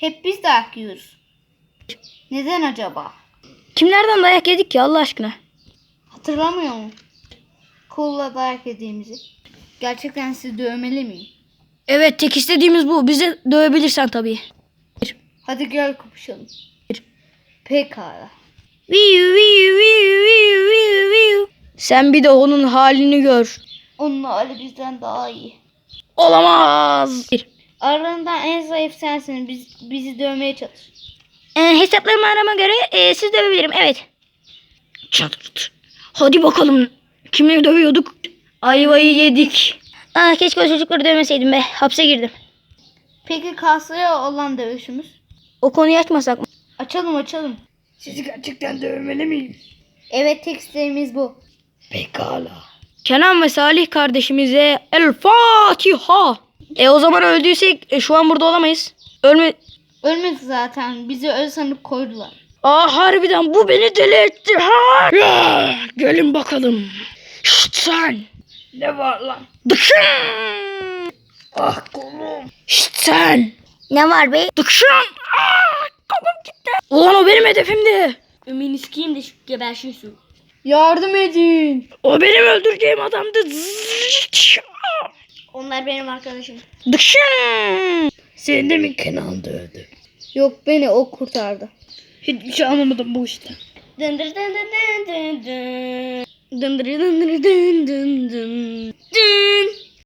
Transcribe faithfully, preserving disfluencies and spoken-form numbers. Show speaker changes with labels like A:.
A: Hep biz dayak yiyoruz. Neden acaba?
B: Kimlerden dayak yedik ki Allah aşkına?
A: Hatırlamıyor musun? Kolla dayak yediğimizi. Gerçekten sizi dövmeli miyim?
B: Evet, tek istediğimiz bu. Bizi dövebilirsen tabii.
A: Hadi gel kapışalım. Pekala.
B: Viu, viu, viu, viu, viu, viu. Sen bir de onun halini gör.
A: Onun hali bizden daha iyi.
B: Olamaz.
A: Aralarından en zayıf sensin. Biz, bizi dövmeye çalış.
B: E, hesaplarımı arama göre e, siz dövebilirim. Evet. Çatırt. Hadi bakalım. Kimleri dövüyorduk? Ayvayı yedik. Ah, keşke o çocukları dövmeseydim be. Hapse girdim.
A: Peki kasaya olan dövüşümüz?
B: O konuyu açmasak mı?
A: Açalım açalım.
C: Sizi gerçekten dövmeli miyim?
A: Evet, tek isteğimiz bu.
C: Pekala.
B: Kenan ve Salih kardeşimize El Fatiha. E o zaman öldüysek e, şu an burada olamayız. Ölme...
A: Ölmedi zaten. Bizi öyle sanıp koydular.
B: Aa, harbiden bu beni deli etti. Ha!
C: Ya, gelin bakalım.
B: Şşt sen.
C: Ne var lan?
B: Dıkşın.
C: Ah kolum.
B: Şşt sen.
A: Ne var be?
B: Dıkşın. Aa, kolum gitti. Ulan o benim hedefimdi. Ümini sikeyim de şu geberşin su.
A: Yardım edin.
B: O benim öldüreceğim adamdı. Zıç.
A: Onlar benim arkadaşım.
B: Dıkşın.
C: Seni de mi Kenan dövdü?
A: Yok, beni o kurtardı.
C: Hiçbir şey anlamadım bu işte.
A: Dındır dın dın dın dın dın.
B: Dındır dındır dın dın dın. Dın.